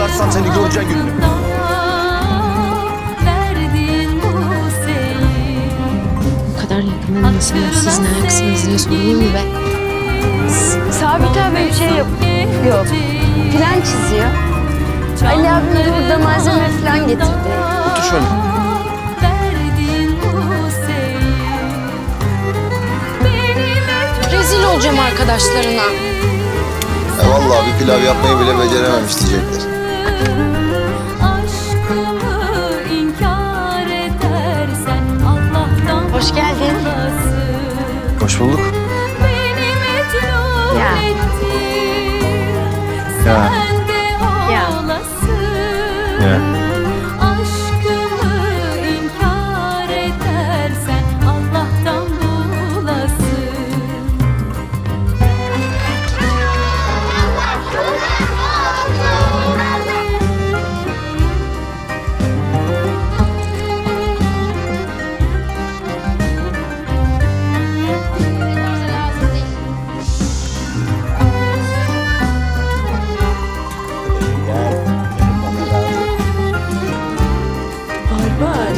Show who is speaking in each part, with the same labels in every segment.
Speaker 1: çıkarsam seni göreceğin gününü.
Speaker 2: Bu kadar yakın olmasına siz ne ayaksınız diye sorayım mı be?
Speaker 3: Sabit abi bir şey yapıyor. Plan çiziyor. Ali abim de burada malzeme falan getirdi.
Speaker 1: Otur şöyle.
Speaker 2: Rezil olacağım arkadaşlarına.
Speaker 1: Vallahi bir pilav yapmayı bile becerememiş diyecekler.
Speaker 3: Hoş geldin.
Speaker 1: Hoş bulduk.
Speaker 3: Ya.
Speaker 1: Ya.
Speaker 3: Ya.
Speaker 1: Ya.
Speaker 3: Barbar.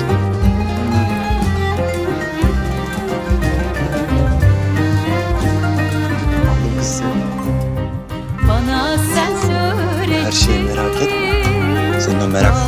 Speaker 1: Aldım kız seni.
Speaker 4: Bana sen söyle.
Speaker 1: Her şeyi merak etme. Senin o merak